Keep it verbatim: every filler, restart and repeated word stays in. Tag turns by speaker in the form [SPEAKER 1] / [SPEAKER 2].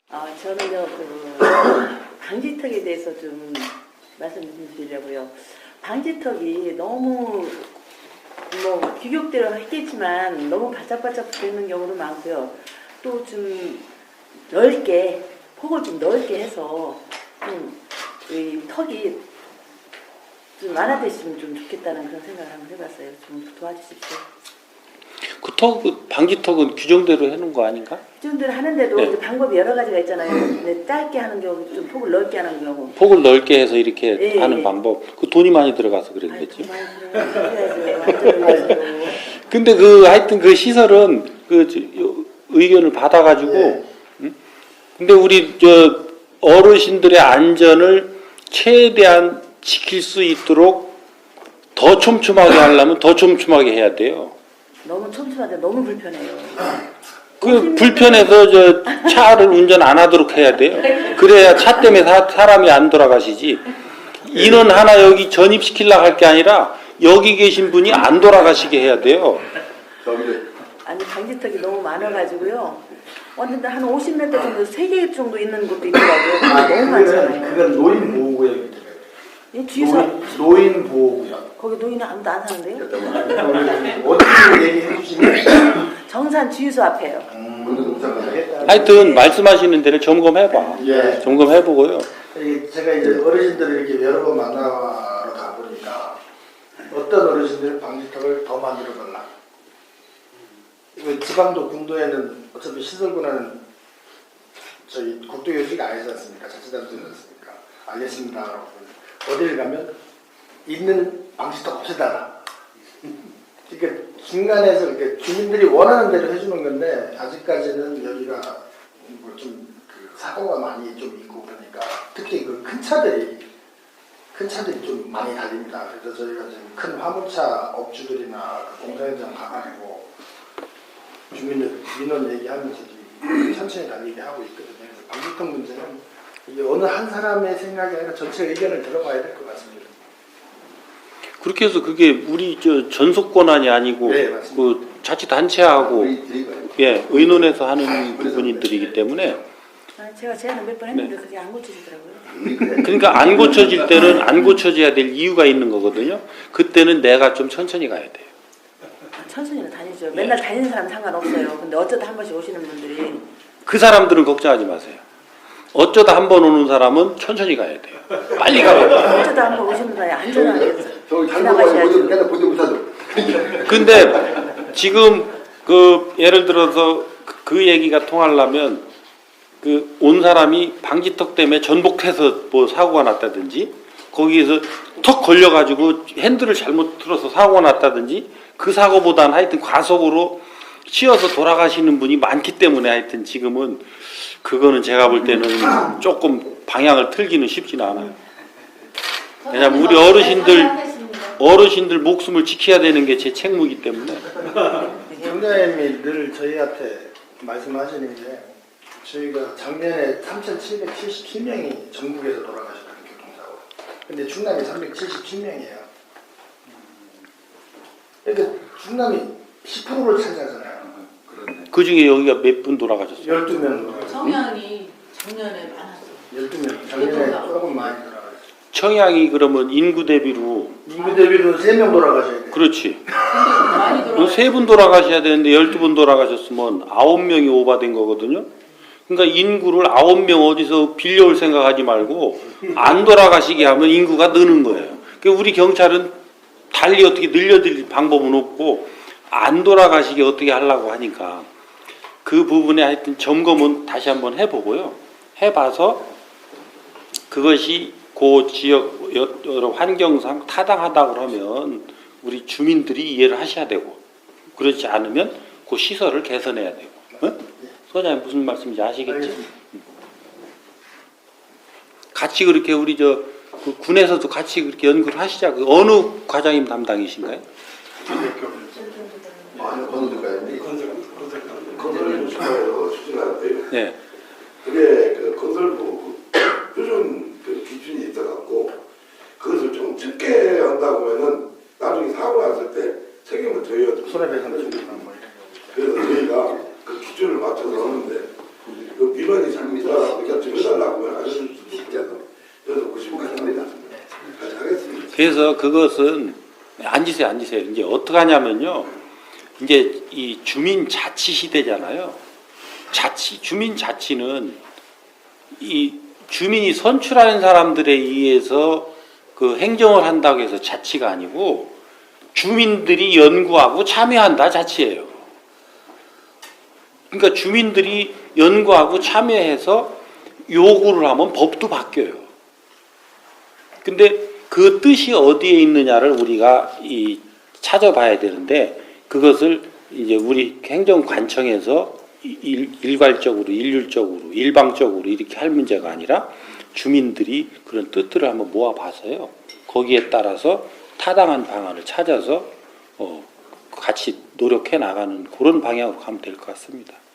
[SPEAKER 1] 아, 저는요, 그, 방지턱에 대해서 좀 말씀 좀 드리려고요. 방지턱이 너무, 뭐, 규격대로 했겠지만, 너무 바짝바짝 붙는 경우도 많고요. 또 좀 넓게, 폭을 좀 넓게 해서, 좀, 이 턱이 좀 완화됐으면 좀 좋겠다는 그런 생각을 한번 해봤어요. 좀 도와주십시오.
[SPEAKER 2] 그 턱, 그 방지턱은 규정대로 해놓은 거 아닌가?
[SPEAKER 1] 규정대로 하는데도
[SPEAKER 2] 네.
[SPEAKER 1] 이제 방법이 여러 가지가 있잖아요. 근데 짧게 하는 경우, 좀 폭을 넓게 하는 경우.
[SPEAKER 2] 폭을 넓게 해서 이렇게
[SPEAKER 1] 예,
[SPEAKER 2] 하는
[SPEAKER 1] 예.
[SPEAKER 2] 방법. 그 돈이 많이 들어가서 그랬겠지.
[SPEAKER 1] 아이, 많이 들어야죠.
[SPEAKER 2] 근데 그 하여튼 그 시설은 그 저, 요, 의견을 받아가지고.
[SPEAKER 3] 예.
[SPEAKER 2] 응? 근데 우리 저 어르신들의 안전을 최대한 지킬 수 있도록 더 촘촘하게 하려면 더 촘촘하게 해야 돼요.
[SPEAKER 1] 너무 촘촘한데 너무 불편해요.
[SPEAKER 2] 그 불편해서 저 차를 운전 안 하도록 해야 돼요. 그래야 차 때문에 사, 사람이 안 돌아가시지. 인원 하나 여기 전입시키려고 할 게 아니라 여기 계신 분이 안 돌아가시게 해야 돼요.
[SPEAKER 1] 아니 방지턱이 너무 많아가지고요. 완전 한 오십 미터 정도 세 개 정도 있는 곳도 있더라고요.
[SPEAKER 3] 아,
[SPEAKER 1] 너무
[SPEAKER 3] 그거는,
[SPEAKER 1] 많잖아요.
[SPEAKER 3] 그건 노인 보호구역이 돼요.
[SPEAKER 1] 이 주유소
[SPEAKER 3] 노인, 노인 보호구역.
[SPEAKER 1] 거기 노인은 아무도 안 사는데요?
[SPEAKER 3] 어떻게 얘기해 주시면
[SPEAKER 1] 정산 주유소 앞에요.
[SPEAKER 3] 음,
[SPEAKER 2] 하여튼 말씀하시는 데를 점검해봐.
[SPEAKER 3] 예.
[SPEAKER 2] 점검해보고요.
[SPEAKER 3] 이 제가 이제 어르신들을 이렇게 여러 번 만나러 가보니까 어떤 어르신들 방지턱을 더 만들어 달라. 지방도 군도에는 어차피 시설군은 저희 국도교지가 아니지 않습니까? 자치단체지 않습니까? 알겠습니다. 라고 어딜 가면 있는 방지턱 없애달라. 그러니까 중간에서 이렇게 주민들이 원하는 대로 해주는 건데 아직까지는 여기가 뭐좀 그 사고가 많이 좀 있고 그러니까 특히 그 큰 차들이 큰 차들이 좀 많이 달립니다. 그래서 저희가 지금 큰 화물차 업주들이나 그 공사 현장 가가지고 주민들 민원 얘기하면서 좀 천천히 달리게 하고 있거든요. 그래서 방지턱 문제는 이게 어느 한 사람의 생각이 아니라 전체 의견을 들어봐야 될 것 같습니다.
[SPEAKER 2] 그렇게 해서 그게 우리 저 전속 권한이 아니고
[SPEAKER 3] 네, 맞습니다.
[SPEAKER 2] 그 자치단체하고 예, 의논해서 하는 부분들이기 때문에
[SPEAKER 1] 아, 제가 제안을 몇 번 했는데 그게 안 고쳐지더라고요.
[SPEAKER 2] 그러니까 안 고쳐질 때는 안 고쳐져야 될 이유가 있는 거거든요. 그때는 내가 좀 천천히 가야 돼요.
[SPEAKER 1] 천천히는 다니죠. 맨날 다니는 사람 상관없어요. 근데 어쩌다 한 번씩 오시는 분들이
[SPEAKER 2] 그 사람들은 걱정하지 마세요. 어쩌다 한 번 오는 사람은 천천히 가야 돼요. 빨리 가요.
[SPEAKER 1] 어쩌다 한 번 오시는 분이 안전하게
[SPEAKER 4] 저기
[SPEAKER 1] 지나가셔야죠.
[SPEAKER 4] 맨날 보지 못하죠.
[SPEAKER 2] 근데 지금 그 예를 들어서 그, 그 얘기가 통하려면 그 온 사람이 방지턱 때문에 전복해서 뭐 사고가 났다든지 거기에서 턱 걸려가지고 핸들을 잘못 틀어서 사고가 났다든지 그 사고보다는 하여튼 과속으로 치여서 돌아가시는 분이 많기 때문에 하여튼 지금은 그거는 제가 볼 때는 조금 방향을 틀기는 쉽지는 않아요. 왜냐면 우리 어르신들 어르신들 목숨을 지켜야 되는 게 제 책무이기 때문에.
[SPEAKER 3] 경장님이 늘 저희한테 말씀하시는 게 저희가 작년에 삼천칠백칠십칠 명이 전국에서 돌아가셨다는 교통사고. 근데 충남이 삼백칠십칠 명이에요. 그러니까 충남이 십 퍼센트를 차지하잖아요.
[SPEAKER 2] 그 중에 여기가 몇 분 돌아가셨어요?
[SPEAKER 3] 열두 명.
[SPEAKER 5] 청양이 작년에 많았어요.
[SPEAKER 3] 열두 명. 작년에 조금 많이 돌아가셨어요.
[SPEAKER 2] 청양이 그러면 인구 대비로
[SPEAKER 3] 인구 대비로 세 명 돌아가셔야 돼요.
[SPEAKER 2] 그렇지.
[SPEAKER 5] 많이 들어가요.
[SPEAKER 2] 세 분 돌아가셔야 되는데 열두 분 돌아가셨으면 아홉 명이 오바된 거거든요. 그러니까 인구를 아홉 명 어디서 빌려올 생각하지 말고 안 돌아가시게 하면 인구가 느는 거예요. 그러니까 우리 경찰은 달리 어떻게 늘려드릴 방법은 없고 안 돌아가시게 어떻게 하려고 하니까 그 부분에 하여튼 점검은 다시 한번 해보고요. 해봐서 그것이 그 지역 여러 환경상 타당하다고 하면 우리 주민들이 이해를 하셔야 되고 그렇지 않으면 그 시설을 개선해야 되고. 응? 소장님 무슨 말씀인지 아시겠지? 같이 그렇게 우리 저 그 군에서도 같이 그렇게 연구를 하시자. 그 어느 과장님 담당이신가요?
[SPEAKER 4] 아니, 건설가인데 건설 추진에서 추진하는데요.
[SPEAKER 2] 네.
[SPEAKER 4] 그게 그 건설부 표준 그 기준이 있어갖고 그것을 좀 적게 한다고 하면은 나중에 사고 났을 때 책임을 져야 돼.
[SPEAKER 3] 손해배상 청구나 뭐 이런 거.
[SPEAKER 4] 그래서 저희가 그 기준을 맞춰서 하는데 그 민원이 잘못하면 알려달라고 하면 알려줄 수도 있잖아요. 그래서 구십까지 합니다. 하겠습니다.
[SPEAKER 2] 그래서 그것은 앉으세요, 앉으세요. 이제 어떻게 하냐면요. 이제 이 주민 자치 시대잖아요. 자치, 주민 자치는 이 주민이 선출하는 사람들에 의해서 그 행정을 한다고 해서 자치가 아니고 주민들이 연구하고 참여한다 자치예요. 그러니까 주민들이 연구하고 참여해서 요구를 하면 법도 바뀌어요. 근데 그 뜻이 어디에 있느냐를 우리가 이 찾아봐야 되는데 그것을 이제 우리 행정관청에서 일, 일괄적으로 일률적으로 일방적으로 이렇게 할 문제가 아니라 주민들이 그런 뜻들을 한번 모아봐서요. 거기에 따라서 타당한 방안을 찾아서 어, 같이 노력해 나가는 그런 방향으로 가면 될 것 같습니다.